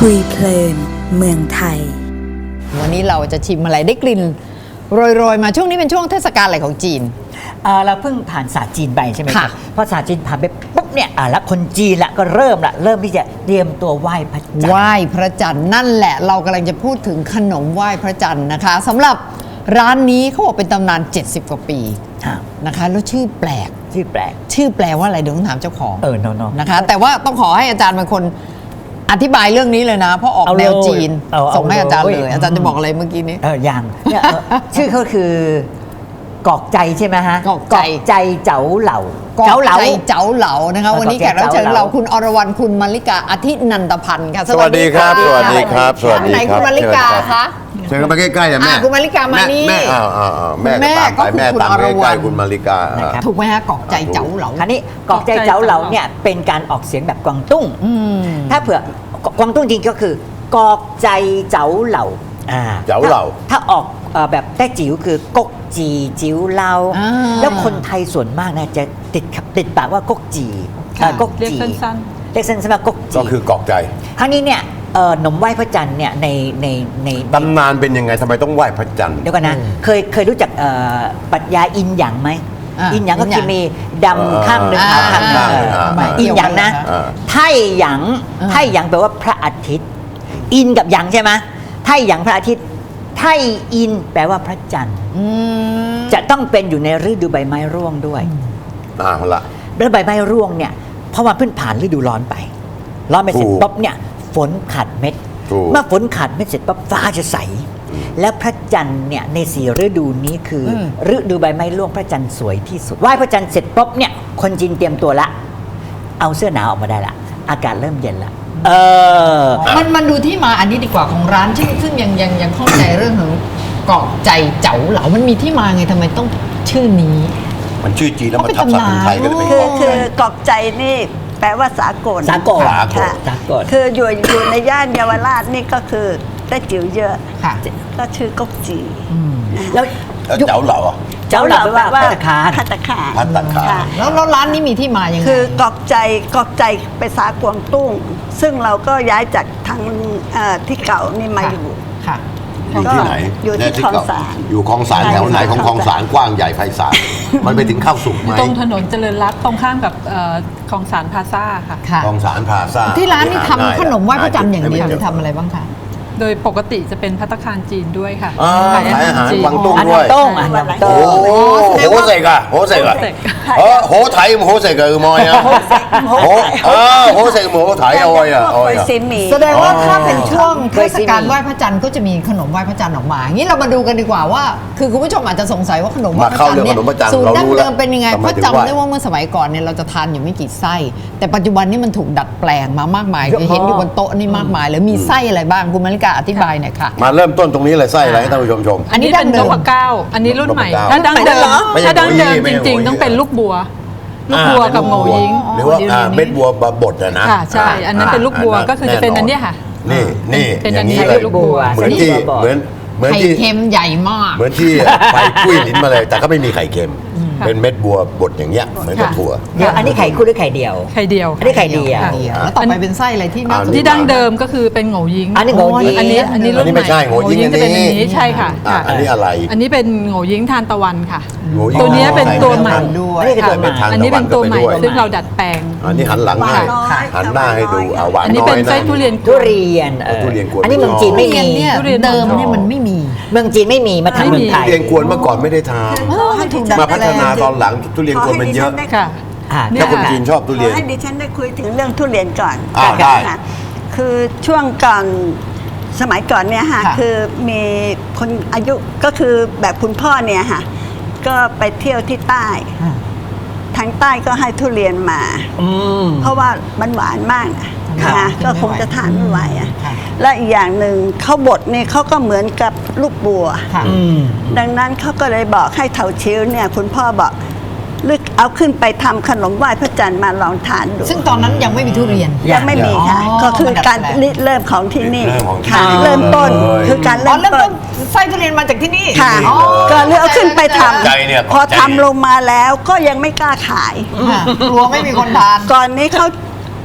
คุยเพลินเมืองไทยวันนี้เราจะชิมอะไรได้กลิ่นโรยๆมาช่วงนี้เป็นช่วงเทศกาลอะไรของจีนเราเพิ่งผ่านศาสตร์จีนไปใช่ไหมค่ะพอศาสตร์จีนผ่านไปปุ๊บเนี่ยแล้วคนจีนละก็เริ่มที่จะเตรียมตัวไหว้พระจันทร์ไหว้พระจันทร์นั่นแหละเรากำลังจะพูดถึงขนมไหว้พระจันทร์นะคะสำหรับร้านนี้เขาบอกเป็นตำนาน70กว่าปีนะคะแล้วชื่อแปลกชื่อแปลว่าอะไรเดี๋ยวต้องถามเจ้าของนะคะแต่ว่าต้องขอให้อาจารย์เป็นคนอธิบายเรื่องนี้เลยนะเพราะออกแนวจีนส่งให้อาจารย์เลยอาจารย์จะบอกอะไรเมื่อกี้นี้อย่างชื่อเขาคือกอกใจใช่ไหมฮะกอกใจเจ๋าเหล่าเจ๋าเหลานะคะวันนี้แขกรับเชิญเราคุณอรวรรณคุณมาริกาอธินันตพันธ์ค่ะสวัสดีครับสวัสดีครับสวัสดีไหนคุณมาริกาคะเชิญมาใกล้ๆนะแม่คุณมาริกามานี่แม่ตามไปแม่ตามใกล้ๆคุณมาริกาถูกไหมฮะกอกใจเจ๋าเหลาคราวนี้กอกใจเจ๋าเหลาเนี่ยเป็นการออกเสียงแบบกวางตุ้งถ้าเผื่อกวางตุ้งจริงก็คือกอกใจเจ๋าเหลาถ้าออกแบบแต้จิ๋วคือกกจีจิ๋วเหลาแล้วคนไทยส่วนมากนะจะติดปากว่ากกจีกกจีเรียกสั้นๆว่ากกจีก็คือกอกใจครั้งนี้เนี่ยหนมไหว้พระจันทร์เนี่ยในตำนานเป็นยังไงทำไมต้องไหว้พระจันทร์เดี๋ยวกันนะเคยรู้จักปรัชญาอินหยางไหมอินหยางก็คือมีดำข้างหนึ่งขาวข้างหนึ่งอินหยางนะไท่หยางแปลว่าพระอาทิตย์อินกับหยางใช่ไหมไท่หยางพระอาทิตย์ไท่อินแปลว่าพระจันทร์จะต้องเป็นอยู่ในฤดูใบไม้ร่วงด้วยละแล้วใบไม้ร่วงเนี่ยเพราะว่าเพิ่งผ่านฤดูร้อนไปเสร็จปุ๊บเนี่ยฝนขาดเม็ดเมื่อฝนขาดเม็ดเสร็จปั๊บฟ้าจะใสและพระจันทร์เนี่ยใน4ฤดูนี้คือฤดูใบไม้ร่วงพระจันทร์สวยที่สุดไหว้พระจันทร์เสร็จปุ๊บเนี่ยคนจีนเตรียมตัวละเอาเสื้อหนาวออกมาได้ละอากาศเริ่มเย็นละมันดูที่มาอันนี้ดีกว่าของร้านซึ่งยังเข้าใจเรื่องของกอกใจเจ๋าเหลามันมีที่มาไงทำไมต้องชื่อนี้มันชื่อจีนแล้วมันทับศัพท์ไทยก็เลยเป็นคือกอกใจนี่แปลว่าสากลคืออยู่ในย่านเยาวราชนี่ก็คือได้จิ๋วเยอะก็ชื่อกกจีแล้วเจ๋าเหลาเจ๋าเหลาแปลว่าภัตตาคารแล้วร้านนี้มีที่มายังไงคือกอกใจไปสากวงตุ้งซึ่งเราก็ย้ายจากทางที่เก่านี่มาอยู่อยู่ที่ไหนอยู่ที่คลองสารอยู่คลองสารแถวไหนของคลองสารกว้างใหญ่ไพศาลมันไปถึงข้าวสุกไหมตรงถนนเจริญรัตน์ตรงข้ามกับคลองสารพลาซ่าค่ะคลองสารพลาซ่าที่ร้านนี่ทำขนมไหว้พระจันทร์อย่างเดียวหรือทำอะไรบ้างคะโดยปกติจะเป็นภัตตาคารจีนด้วยค่ะขายอาหารกวางตุ้งด้วยโโหเสกอะโหไทยโหเสกอะมอยอะโหเสกโหไทยเอาไว้อะแสดงว่าถ้าเป็นช่วงเทศกาลไหว้พระจันทร์ก็จะมีขนมไหว้พระจันทร์ออกมางี้เรามาดูกันดีกว่าว่าคือคุณผู้ชมอาจจะสงสัยว่าขนมไหว้พระจันทร์เนี่ยสูตรดั้งเดิมเป็นยังไงเพราะจำได้ว่าเมื่อสมัยก่อนเนี่ยเราจะทานอยู่ไม่กี่ไส้แต่ปัจจุบันนี้มันถูกดัดแปลงมามากมายเห็นอยู่บนโต๊ะนี่มากมายแล้วมีไส้อะไรบ้างคุณมาริกาอธิบายหน่อยค่ะมาเริ่มต้นตรงนี้เลยไส้อะไรให้ท่านผู้ชมอันนี้เป็นนพเก้าอันนี้รุ่นใหม่ถ้าดั้งเดิมจริงๆต้องเป็นลูกบัวกับโหยิงหรือว่าเม็ดบัวบดนะค่ะใช่อันนั้นเป็นลูกบัวก็คือจะเป็นอันนี้ค่ะนี่เป็นอันนี้ลูกบัวเหมือนที่ไข่เค็มใหญ่มากเหมือนที่ไปกุ้ยลิ้นมาเลยแต่ก็ไม่มีไข่เค็มเป็นเม็ดบัวบดอย่างเงี้ยเหมือนกับถั่วเดี๋ยวอันนี้ไข่คู่หรือไข่เดียวไข่เดียวอันนี้ไข่เดียวแล้วต่อไปเป็นไส้อะไรที่ดั้งเดิมก็คือเป็นโหยิงอันนี้โหยิงอันนี้รุ่นใหม่ไม่ใช่โหยิงจะเป็นอันนี้ใช่ค่ะอันนี้อะไรอันนี้เป็นโหยิงทานตะวันค่ะตัวนี้เป็นตัวใหม่ด้วยอันนี้เป็นตัวใหม่ซึ่งเราดัดแปลงอันนี้หันหลังให้หันหน้าให้ดูหวานน้อยอันนี้เป็นไส้ทุเรียนอันนี้เมืองจีนไม่มีเดิมเนี่ยมันไม่มีเมืองจีนไม่มีมาทำเมืองไทยทุเรียนกวนเมื่อก่อนไม่ได้ทำมาพัฒนาตอนหลังทุเรียนกวนมันเยอะถ้าคนจีนชอบทุเรียนให้ดิฉันได้คุยถึงเรื่องทุเรียนก่อนได้คือช่วงก่อนสมัยก่อนเนี่ยค่ะคือมีคนอายุก็คือแบบคุณพ่อเนี่ยค่ะก็ไปเที่ยวที่ใต้ทางใต้ก็ให้ทุเรียนมาเพราะว่ามันหวานมากนะก็คงจะทานไม่ไหวและอีกอย่างหนึ่งเขาบดเนี่ยเขาก็เหมือนกับลูกบัวดังนั้นเขาก็เลยบอกให้เถาชิ้วเนี่ยคุณพ่อบอกลึกเอาขึ้นไปทำขนมไหว้พระจันทร์มาลองทานดูซึ่งตอนนั้นยังไม่มีทุเรียนยังไม่มีค่ะก็คือการเริ่มของที่นี่ค่ะเริ่มต้นคือการเริ่มต้นไส้ทุเรียนมาจากที่นี่ค่ะก็เลยเอาขึ้นไปทำพอทำลงมาแล้วก็ยังไม่กล้าขายกลัวไม่มีคนทานก่อนนี้เขา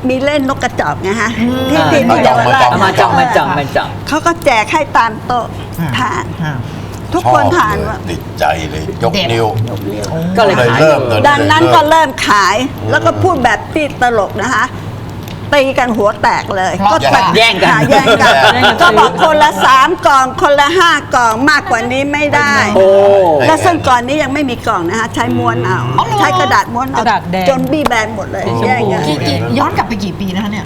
มีเล่นนกกระจอกไงฮะที่เยาวราชมาจองเขาก็แจกให้ตามโต๊ะทาน ทุกคนทานชอบเลยว่าติดใจเลยยกเด็ดนิ้วก็เลยขายเริ่มเลยดังนั้นก็เริ่มขายแล้วก็พูดแบบที่ตลกนะคะตีกันหัวแตกเลยเพราะก็ตัดแย่งกันแย่งกันก็บอกคนละ3 กล่องคนละ5 กล่องมากกว่านี้ไม่ได้โอ้และซึ่งก่อนนี้ยังไม่มีกล่องนะคะใช้ม้วนเอาใช้กระดาษม้วนเอากระดาษแดงจนบี้แบนหมดเลยแย่งกันย้อนกลับไปกี่ปีนะคะเนี่ย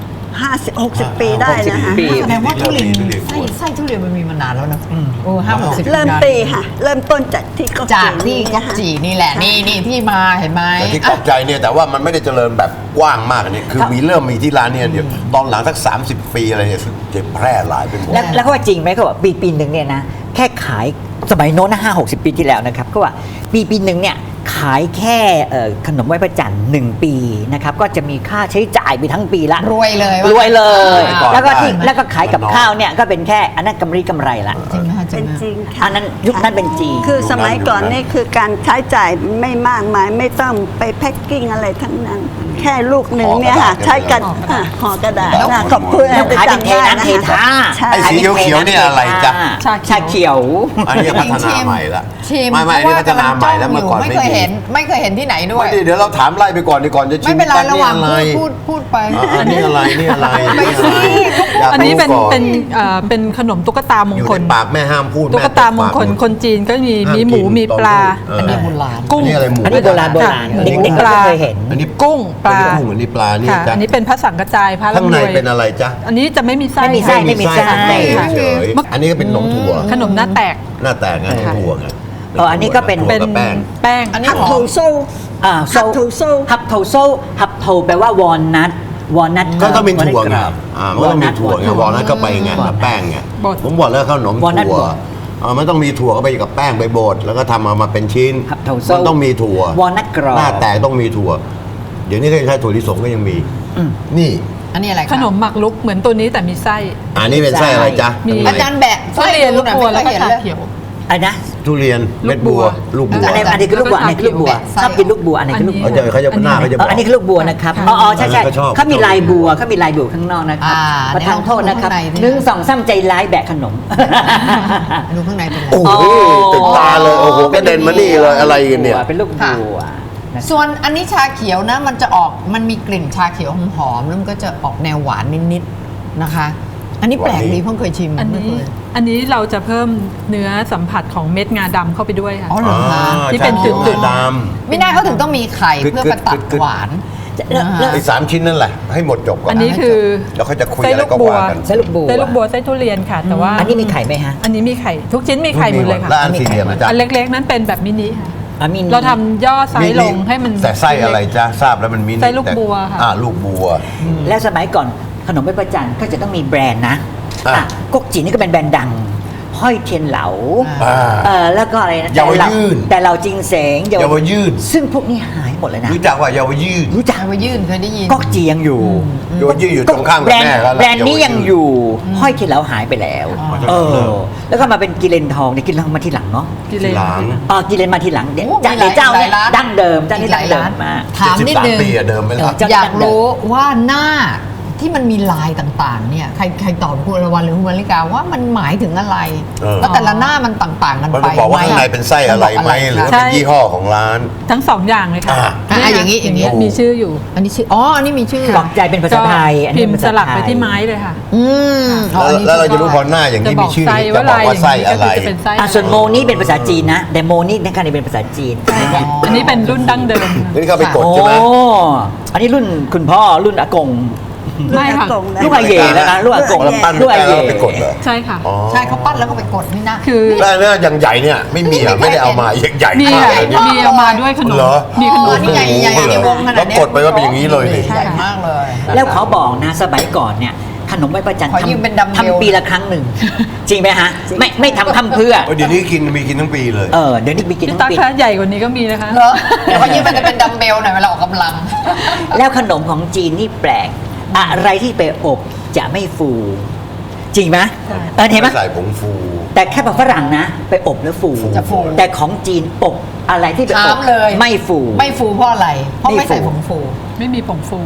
50-60 ปีได้นะคะปีแสดงว่าทุเรียนไส้ทุเรียนมันมีมานานแล้วนะโอ้50-60 เริ่มตีค่ะ เริ่มต้นจากที่ก็จากที่ก๊อกจีนี่แหละนี่ที่มาเห็นไหมแต่ที่ตกใจเนี่ยแต่ว่ามันไม่ได้เจริญแบบกว้างมากเนี่ยคือเริ่มมีที่ร้านเนี่ยเดี๋ยวตอนหลังสัก30 ปีอะไรเนี่ยจะแพร่หลายไปหมดแล้วเขาว่าจริงไหมเขาบอกปีหนึ่งเนี่ยนะแค่ขายสมัยโน้นนะ50-60 ปีที่แล้วนะครับเขาว่าปีหนึ่งเนี่ยขายแค่ขนมไหว้พระจันทร์1 ปีนะครับก็จะมีค่าใช้จ่ายไปทั้งปีละรวยเลยรวยเลยก่อนแล้วก็ได้แล้วก็ขายกับข้าวเนี่ยก็เป็นแค่อันนั้นกำไรละจริงนะคะจริเป็งนนะจริงอัค่ะนนั้นยุคนั้นเป็นจริงคือสมัยก่อนนี่คือการใช้จ่ายไม่มากมายไม่ต้องไปแพ็คกิ้งอะไรทั้งนั้น แค่ลูกหนึ่งเนี่ยค่ะใช้กันห่อกระดาษนะขอบคุณแล้วขายเป็นเทน้ำเทท่าใช่ไอ้สีเขียวๆเนี่ยอะไรจ๊ะชาเขียวอันนี้พัฒนาใหม่ละชิมไม่อันนี้พัฒนาใหม่แล้วเมื่อก่อนไม่ไม่เคยมีเห็นไม่เคยเห็นที่ไหนด้วยไม่ดีเดี๋ยวเราถามไล่ไปก่อนดีก่อนจะชิไม่มเป็นไรกันระหนี่ว่างอะไรพูดไปอันนี้อะไรนี่อะไรไม่สิอยากอันนี้รู้เป็นก่อเป็นขนมตุ๊กตามงอยู่คในลปากแม่ห้ามพูดตุ๊กตามงคลแตะปากคนจีนก็มีหมูมีปลาอันนี้โบราณกุ้งอันนี้อะไรหมูอันนี้โบราณค่ะเด็กๆก็ไม่เคยเห็นอันนี้กุ้งปลากุ้งอันนี้ปลานี่ค่ะจ๊ะอันนี้เป็นพระสังกระจายพระข้างร่ำในรวยเป็นอะไรจ๊ะอันนี้จะไม่มีไส้ไม่มีไส้ค่ะไม่มีไส้เฉยๆอันนี้ก็เป็นขนมถั่วขนมหน้าแตกหน้าแตกไงขนมถั่วไงอันนี้ก็เป็นถั่วกับแป้งแป้งอันนี้ฮับหอโถมโซ่ฮับโทโซฮับโทแปลว่าวอลนัทก็ต้องเป็นถั่วไงมันต้องมีถั่วไงวอลนัทก็ไปไงกับแป้งไงบดผมบอกแล้วขนมวอลนัทถั่วบดมันต้องมีถั่วเข้าไปกับแป้งไปบดแล้วก็ทำมาเป็นชิ้นครับถั่วมันต้องมีถั่ววอลนัทกรอบหน้าแตกต้องมีถั่ว เดี๋ยวนี้ก็ยังใช้ถั่วลิสงก็ยังมีอืมนี่อันนี้อะไรคะขนมหมักลุกเหมือนตัวนี้แต่มีไส้อันนี้เป็นไส้อะไรจ๊ะมีข้งในอาจารย์แบะทุเรียนลูกบัวแล้วก็เห็นชาเลยเขียวอันนะทุเรียนเม็ดบัวลูกบัวอันนี้คือลูกบัวอันนี้คือลูกบัวชอบกินลูกบัวอันนี้คือลูกบัวเขาจะหน้าเขาจะบอกอันนี้คือลูกบัวนะครับอ๋อใช่อันนั้นก็ชอบเขามีลายบัวข้างนอกนะครับประทานโทษนะครับ1 2 3ใจร้ายแบกขนมดูข้างในเป็นอะไรโอ้โหติดตาเลยโอ้โหกระเด็นมานี่เลยอะไรกันเนี่ยเป็นลูกบัวนะส่วนอันนี้ชาเขียวนะมันมีกลิ่นชาเขียวหอมๆแล้วมันก็จะออกแนวหวานนิดๆนะคะ อันนี้แปลกดีเพิ่งเคยชิมอันไม่นี้เคยอันนี้เราจะเพิ่มเนื้อสัมผัสของเม็ดงาดำเข้าไปด้วยค่ะอ๋อเหรอคะที่เป็นจุดๆดไม่น่าเขาถึงต้องมีไข่เพื่อประตัดหวานแล้วไอ้3 ชิ้นนั่นแหละ ให้หมดจบก่อนอันนี้คือแล้วเขาจะคุยไส้อะไรลูกก็บัวว่ากันไส้ลูกบัวไส้ลูกบัวไส้ทุเรียนค่ะ แต่ว่าอันนี้มีไข่ไหมฮะอันนี้มีไข่ทุกชิ้นมีไข่หมดเลยค่ะแล้วอันสี่เหลี่ยมนะจ๊ะอันเล็กๆนั้นเป็นแบบมินิค่ะอ่ะมีเราทำย่อไซส์ลงให้มันแต่ไส้อะไรจ๊ะทราบแล้วมันมีไส้ลูกบัวค่ะลูกบัวแล้วสมัยก่อนขนมไหว้พระจันทร์ก็จะต้องมีแบรนด์นะอ่ะก๊กจีนี่ก็เป็นแบรนด์ดัง ห้อยเทียนเหลา แล้วก็อะไรนะเยาวยืนแต่เราจริงเสงเยาวยืดซึ่งพวกนี้หายหมดเลยนะรู้จักว่าเยาวยืดรู้จักชาไปยื่นเคยได้ยินก๊กจียังอยู่เยาวยืดอยู่ตรงข้ามกับแบรนแม่ด์เขาแบรนด์นี้ยังอยู่ ห้อยเทียนเหลาหายไปแล้วอ๋อแล้วก็มาเป็นกิเลนทองเนี่ยกิเลนทองมาทีหลังเนาะกิเลนหลังกิเลนมาทีหลังเดี๋ยวโอ้จากมีหลายเจ้าเนี่ยหลายร้านดั้งเดิมเจ้านี่ดั้งเดิมมากถามนิดนึง 73 ปีอะเดิมไปแล้วจ้อยากรู้ว่าหน้าที่มันมีลายต่างๆ เนี่ยใครตอบคุณอรวรรณหรือคุณมาริกาว่ามันหมายถึงอะไร แล้วแต่ละหน้ามันต่างๆกันมันไปไปบอกว่าข้างในเป็นไส้อะไรไหมหรือว่าเป็นยี่ห้อของร้านทั้งสองอย่างเลยค่ะอย่างนี้มีชื่ออยู่อันนี้ชื่ออันนี้มีชื่อปลอกใจเป็นภาษาไทยอันพินี้มเป็นพ์ภาสษาลักไทไปยที่ไม้เลยค่ะแล้วเราจะรู้พอหน้าอย่างนี้มีชื่อจะจะบบ ออก กไส้ว่าไส้อะไรก็คืจะเป็นไส้ส่วนโมนี่เป็นภาษาจีนนะแต่โมนี่ในการนี้เป็นภาษาจีนอันนี้เป็นรุ่นดั้งเดิมนี่เขาไปกดใช่ไหมโอ้อันนี้รุ่นคุณพ่อรุ่นอากงไม่ค่ะลูกอาเย่แล้วนะลูกอากงแล้วปั้นลูกอาแล้เย่วไปกดเหรอใช่ค่ะอ๋อใช่เขาปั้นแล้วก็ไปกดนี่นะคือแล้วเนี่ยอย่างใหญ่เนี่ยไม่มีอ่ะไม่ได้เอามาใหญ่มีมากค่ะเลยเนี่ยมีเอามาด้วยขนมเหรอมีขนมนี่ใหญ่ในวงขนาดแล้วเนี้ยกดไปว่าเป็นอย่างนี้เลยนี่ใหญ่มากเลยแล้วเขาบอกนะสมัยก่อนเนี่ยขนมไหว้พระจันทร์ขอยืมเป็นดัมเบลทำปีละครั้งหนึ่ง จริงไหมฮะไม่ทำเพื่อเดี๋ยวนี้มีกินทั้งปีเลยเดี๋ยวนี้มีกินพี่ทั้ตั๊งกปีคะใหญ่กว่านี้ก็มีนะคะเหรอเดี๋ยวเขายืมมันจะเป็นดัมเบลหน่อยเวลาออกกำลังแล้วขนมของจีนนี่แปลก อะไรที่ไปอบจะไม่ฟู จริงไหมเห็นไหมใส่ผงฟูแต่แค่แบบฝรั่งนะ ไปอบแล้วฟูจะฟูแต่ของจีนอบอะไรที่ไปอถาบมเลยไม่ฟูไม่ฟูเพราะอะไร เพราะไม่ใส่ผงฟูไม่มีผงฟู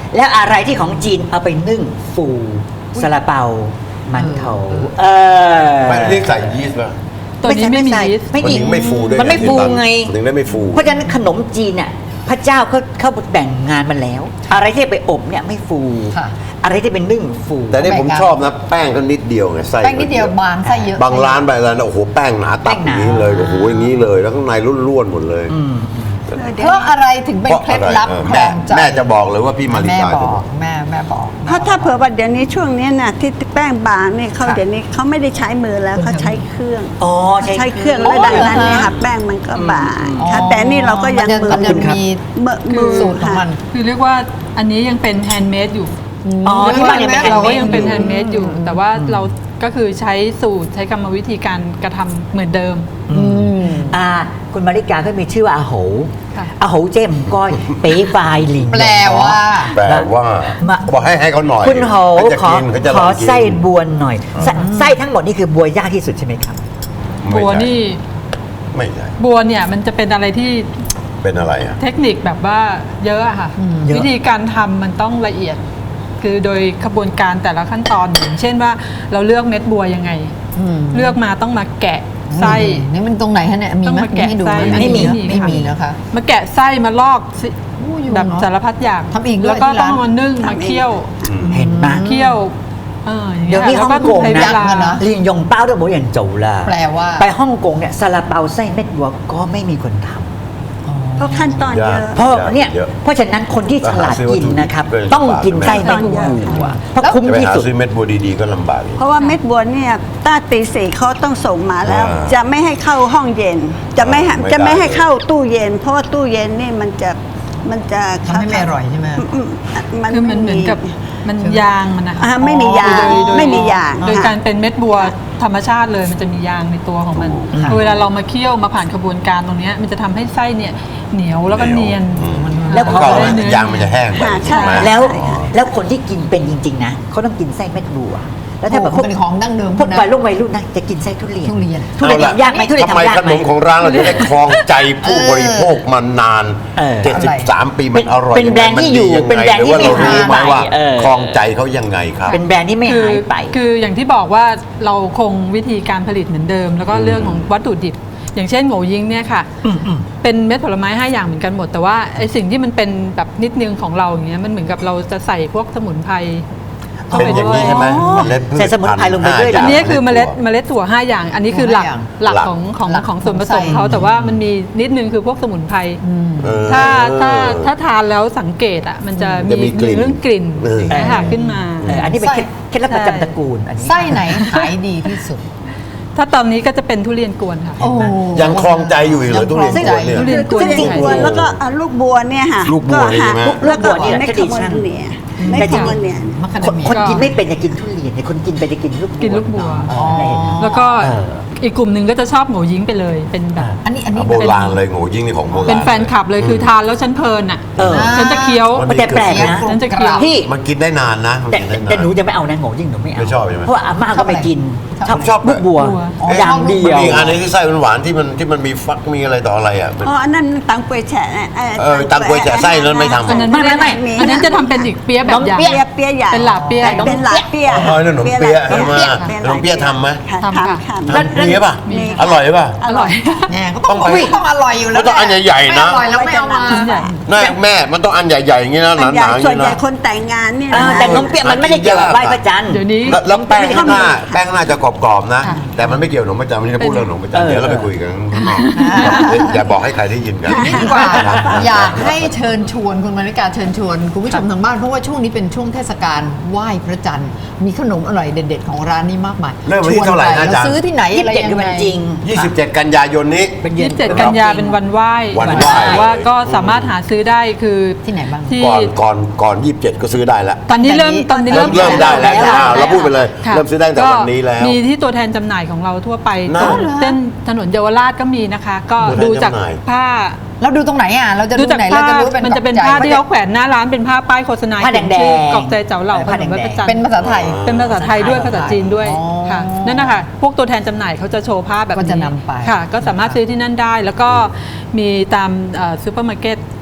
แล้วอะไรที่ของจีนเอาไปนึ่งฟูซาลาเปามันโถไม่ได้ใส่ยีสต์ป่ะตัวนี้ไม่มียีสต์ไม่มันมีถึงไม่ฟูด้วยมันไม่ฟูไงมันถึงได้ไม่ฟูเพราะฉะนั้นขนมจีนเนี่ยพระเจ้าเขาแบ่งงานมาแล้ว อะไรที่ไปอบเนี่ยไม่ฟูค่ะอะไรที่เป็นนึ่งฟูแต่นี่ผมชอบนะแป้งก็นิดเดียวไงไส้แป้งนิดเดียวบางไส้เยอะบางร้านไปแล้วนะโอ้โหแป้งหนาตับอย่างนี้เลยโอ้โหอย่างนี้เลยแล้วข้างในร่วนๆหมดเลยเพราะอะไรถึงเป็นเคล็ดลับครแม่องใจแม่จะบอกเลยว่าพี่มาริแม่กาบจะอบอก กแม่บอกเพราะถ้าเผื่อว่าเดี๋ยวนี้ช่วงนี้น่ะที่แป้งบางเนี่ยเขาค่ะเดี๋ยวนี้เขาไม่ได้ใช้มือแล้วเขาใช้เครื่องอ๋อใช้เครื่องแล้วดังนั้นเนี่ยค่ะแป้งมันก็บางค่ะแต่นี่เราก็ยังมือมันจะมีมือสูตรของมันคือเรียกว่าอันนี้ยังเป็นแฮนด์เมดอยู่อ๋อที่บ้านยังเป็นเราก็ handmade ยังเป็นอยู่แฮนด์เมดอยู่ แต่ว่าเราก็คือใช้สูตรใช้กรรมวิธีการกระทำเหมือนเดิมคุณมาริกาก็มีชื่อว่าอาโหค่ะอาโหเจมก้อยเป๊ฟายหลิงแปลว่าแปลว่ามาบอกให้เขาหน่อยคุณโหเขาจะขอกินเขาจะขลอองกินไส้บวนหน่อยไส้ทั้งหมดนี่คือบัวยากที่สุดใช่ไหมครับบัวนี่ไม่ใช่บัวเนี่ยมันจะเป็นอะไรที่เป็นอะไรอ่ะเทคนิคแบบว่าเยอะอะค่ะเยอะวิธีการทำมันต้องละเอียด คือโดยขบวนการแต่ละขั้นตอนอย่างเช่นว่าเราเลือกเม็ดบัวยังไง เลือกมาต้องมาแกะไส้นี่มันตรงไหนฮะเนี่ยมีต้องไหมมาแกะให้ดูไส้ไหมไม่มีไม่มีนะคะมาแกะไส้มาลอกสิอยู่แบบเนอะสารพัดอย่างทำเองด้วยแล้วก็ที่ต้ร้าอน งมานึ่งมาเคี่ยวเห็นไหมเคี่ยวอย่างเดี๋ยวเงี้นี้ยฮ่องแล้วกงใช้เวนะลาเนอะเรียนยงเป้าด้วยโบอย่างโจละแปลว่าไปฮ่องกงเนี่ยซาลาเปาไส้เม็ดบัวก็ไม่มีคนทำเพราะขั้นตอนเยอะเพราะเนี่ยเยอะเพราะฉะนั้นคนที่ฉลาดกินนะครับเออต้องกินไส้เม็ดบัวเพราะคุ้มจะไปที่หาสุดซื้อเม็ดบัวดีๆก็ลำบากอีกเพราะว่าเม็ดบัวเนี่ยต้าตีสี่เขาต้องส่งมาแล้ว จะไม่ให้เข้าห้องเย็น จะไม่ให้ไม่ได้จะไม่ให้เข้าตู้เย็น เพราะว่าตู้เย็นนี่มันจะทำให้ไม่อร่อยใช่ไหมคือมันเหมือนกับมันยางมันนะคะไม่มียางโดไม่มียางโดยค่ะการเป็นเม็ดบัวธรรมชาติเลยมันจะมียางในตัวของมันเวลาเรามาเคี่ยวมาผ่านกระบวนการตรงเนี้ยมันจะทำให้ไส้เนี่ยเหนียวแล้วก็เนียนแล้วเพพอราะได้เนื้อยางมันจะแห้งไปใช่ไหมแล้วคนที่กินเป็นจริงๆนะเขาต้องกินไส้เม็ดบัว แล้วถ้าแบบพวกเป็นของดั้งเดิมพวกนะวัยรุ่นนะจะกินไส้ทุเรียนทุเรียนทุเรียนเอาล่ะทำยากไหมทุเรียนทำไมทำยากขไหนมมของร้านเราจะได้ครองใจผู้บริโภคมานานเออ 73 ปีมันอร่อยเป็นแบรนด์ที่อยู่มัเป็นแบรนด์หรือว่าที่เราไม่รู้ไหมหายไปว่าเออครองใจเขายังไงครับเป็นแบรนด์ที่ไม่หายไปคืออย่างที่บอกว่าเราคงวิธีการผลิตเหมือนเดิม แล้วก็เรื่องของวัตถุดิบ อย่างเช่นโง่ยิงเนี่ยค่ะ เป็นเม็ดผลไม้5อย่างเหมือนกันหมด แต่ว่าไอสิ่งที่มันเป็นแบบนิดนึงของเราอย่างเงี้ยมันเหมือนกับเราจะใส่พวกสมุนไพรเข้าเป็นไปอย่างด้วยนี้ใช่ไหมเมล็ดพืชใส่สมุนไพรลงไปด้วยเหรอันอนี้คือเมล็ดถั่ว5อย่าง อันนี้คือหลักห้าอย่างหลักหลักของส่วนผสมของไส้เขาแต่ว่ามันมีนิดนึงคือพวกสมุนไพรเออถ้าทานแล้วสังเกตอ่ะมันจะจะมีมีกลิ่นเรื่องกลิ่นเออนะคะขึ้นมาอันนี้เป็นเคล็ดลับประจำตระกูลอันนี้ไส้ไหนขายดีที่สุดถ้าตอนนี้ก็จะเป็นทุเรียนกวนค่ะโอ้ยังครองใจอยู่อีกเหรอทุเรียนกวนเนี่ยทุเรียนกวนซึ่งจริงๆแล้วก็ลูกบัวเนี่ยค่ะลูกบัวนี่ใช่ไหมแล้วก็ลูกบัวนี่แหละไม่ที่ขดีมช่างเนี่ยไม่ขมเนี่ยมะขามคนเมีคนกินไม่เป็นจะกินทุเรียนแต่คนกินไปจะกินลูกบัวกินลูกบัวอ๋อแล้วก็เอออีกกลุ่มหนึ่งก็จะชอบโง่ยิงไปเลยเป็นแบบอันนี้โบราณเลยโง่ยิ่งนี่ของโบราณเป็นแฟนคลับเลยคือทานแล้วฉันเพลินอ่ะเออฉันจะเคี้ยวมันแต่แปลกนะฉันจะเคี้ยวพี่มันกินได้นานนะมันแต่กินได้นานแต่หนูจะไม่เอานะโง่ยิ่งหนูไม่เอาไม่ชอบใช่ไหมเพราะว่าอาม่าก็ไม่กินชอบลูกบัวอ๋ออย่างชอบลูกเดีมันยวมีอีกอันนึงที่ไส้หวานๆที่มันมีฟักมีอะไรต่ออะไรอ่ะมันอ๋ออันนั้นตังกวยแฉะตังกวยแฉะไส้นั้นไม่ทำอันนั้นไม่อันนั้นจะทำเป็นอีกเปี๊ยะแบบอย่างเปี๊ยะใหญ่เป็นหลาเปี๊ยะเป็นหลาเปี๊ยะอ๋อขนมเปี๊ยะใช่ไหมปี๊ยะขนมเปี๊ยะทำไหมค่ะทำค่ะทำทำมีป่ะอร่อยป่ะอร่อยแหมก็ต้องต้องไปต้องอร่อยอยู่แล้วก็ต้องอันใหญ่ๆนะไม่อร่อยแล้วไม่เอามาแม่มันต้องอันใหญ่ๆอย่างนี้นะหอันใหญ่นาๆอย่างส่วนนี้ใหญ่นะคนแต่งงานเนี่ยแต่นมเปี๊ยะมันไม่ได้เกี่ยวกับไหว้พระจันทร์เดี๋ยวนี้แล้วแป้งข้างหน้าจะกรอบๆนะ แต่มันไม่เกี่ยวกับขนมประจำมันจะพูดเรื่องขนมประจำเดี๋ยวเราไปคุยกันข้างนอกอย่าบอกให้ใครได้ยินกันนี่ดีกว่าอยากให้เชิญชวนคุณมาริกาเชิญชวนคุณผู้ชมทางบ้านเพราะว่าช่วงนี้เป็นช่วงเทศกาลไหว้พระจันทร์มีขนมอร่อยเด็ดๆของร้านนี้มากมายเริ่มวันที่เท่าไหร่นะอาจารย์ซื้อที่ไหนอะไรยัง 27คือไงวันจริง 27 กันยายนนี้เป็นเย็น 27 กันยาเป็นวันไหว้วันไหว้แต่ว่าก็สามารถหาซื้อได้คือที่ไหนบ้างที่ก่อน 27 ก็ซื้อถแล้วตอนนี้เริ่มตอนนี้เริ่มได้แล้วแล้วเราพูดไปเลยค่ะเริ่มซื้อได้ตั้งแต่วันนี้แล้วมีที่ตัวแทนจำหน่ายของเราทั่วไปน่าเส้นถนนเยาวราชก็มีนะคะ ก็ตัวแทนดูจากจำหน่ายผ้าเราดูตรงไหนอ่ะเราจะดูดูจากไหนเราผ้าจะรู้เป็นมันจะเป็นใจผ้าที่เขาแขวนหน้าร้านเป็นผ้าป้ายโฆษณาผ้าแดงๆชื่อกอกใจเจ้าเหล่าขผ้านมไหว้พระจันทร์เป็นภาษาไทยเป็นภาษาไทยด้วยภาษาจีนด้วยอ๋อค่ะนั่นนะคะพวกตัวแทนจำหน่ายเขาจะโชว์ภาพแบบก็นี้จะนำไปค่ะ ก็สามารถซื้อที่นั่นได้ แล้วก็มีตามซูเปอร์มาร์เก็ต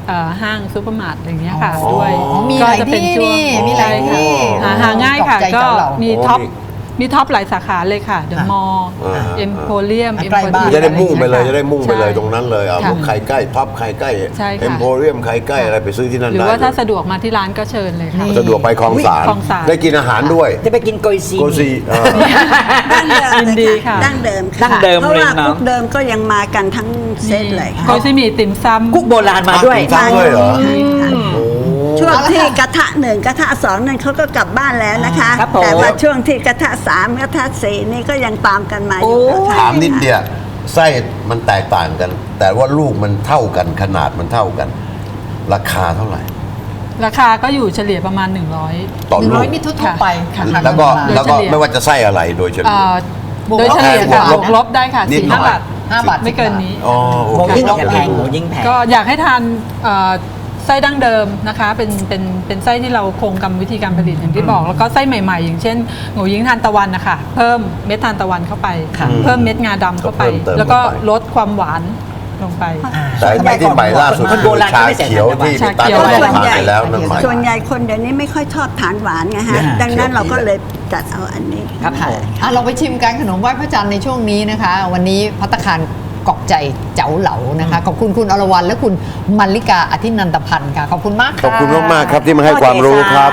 ห้างซูเปอร์มาร์ทอย่างเงี้ยค่ะด้วยอ๋อมีหลายที่นี่มีหลายที่หาง่ายค่ะตกใจก็เจ้าเหล่ามีท็อปหลายสาขาเลยค่ะเดอะมอลล์เอ็มโพเรียมใกล้บ้านจะได้มุ่งไปเลยจะได้มุ่งไปเลยตรงนั้นเลยอ่ะค่ะพวกไข่ใกล้ท็อปไข่ใกล้ใช่ค่ะเอ็มโพเรียมไข่ใกล้อะไรไปซื้อที่นั่นหรือได้ว่าถ้าสะดวกมาที่ร้านก็เชิญเลยค่ะสะดวกไปคลองสารคลองสารได้กินอาหารด้วยจะไปกินโกยซีโกซีอ่าดั้งเดิมยินดีค่ะดั้งเดิมดั้งเดิมเพราะเลยว่าเนอะกุ๊กเดิมก็ยังมากันทั้งเซตเลยโกยซีหมี่ติ่มซำกุ๊กโบราณมาด้วยตั้งด้วยเหรอช่วงที่กระทะหนึ่งกระทะสองนั่นเขาก็กลับบ้านแล้วนะคะครับผมแต่ว่าช่วงที่กระทะสามกระทะสี่นี่ก็ยังตามกันมาอยู่ค่ะถามนิดเดียวไส้มันแตกต่างกัน แต่ว่าลูกมันเท่ากันขนาดมันเท่ากัน ราคาเท่าไหร่ราคาก็อยู่เฉลี่ยประมาณ 100 ต่อลูก 100นี่ทั่วๆไปค่ะแล้วก็โดยแล้วก็เฉลี่ยไม่ว่าจะไส้อะไรโดยเฉลี่ยโดยเฉลี่ยค่ะบวกลบบวกลบได้ค่ะนิดหน่อย 4-5 บาท 5 บาทไม่เกินนี้อ๋อโอหมูเคยิ่งแพงหมูยิ่งแพงก็อยากให้ทานไส้ดั้งเดิมนะคะเป็นไส้ที่เราคงกรรมวิธีการผลิตอย่างที่บอก แล้วก็ไส้ใหม่ๆ อย่างเช่นโง่ยิงทานตะวันนะคะเพิ่มเม็ดทานตะวันเข้าไป เพิ่มเม็ดงาดำเข้าไปก็เพิ่มเติมแล้วก็เข้าไปลดความหวานลงไปแต่ไอ้ที่ใหม่ล่าสุดคนโบราณชาไม่ใส่เขียวที่ชาพี่เขียวตั๊กทานไปแล้วนั่นใหม่ส่วนใหญ่คนเดี๋ยวนี้ไม่ค่อยชอบทานหวานไงฮะ ดังนั้นเราก็เลยจัดเอาอันนี้ครับผมเราไปชิมกันขนมไหว้พระจันทร์ในช่วงนี้นะคะ วันนี้ภัตตาคารกอกใจเจ้าเหลานะคะ ขอบคุณคุณอรวรรณและคุณมัลลิกาอธินันตพันธ์ค่ะ ขอบคุณมากขค่ะอบคุณมากๆครับที่มาให้ความรู้ครับ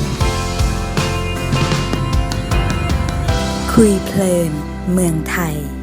คุยเพลินเมืองไทย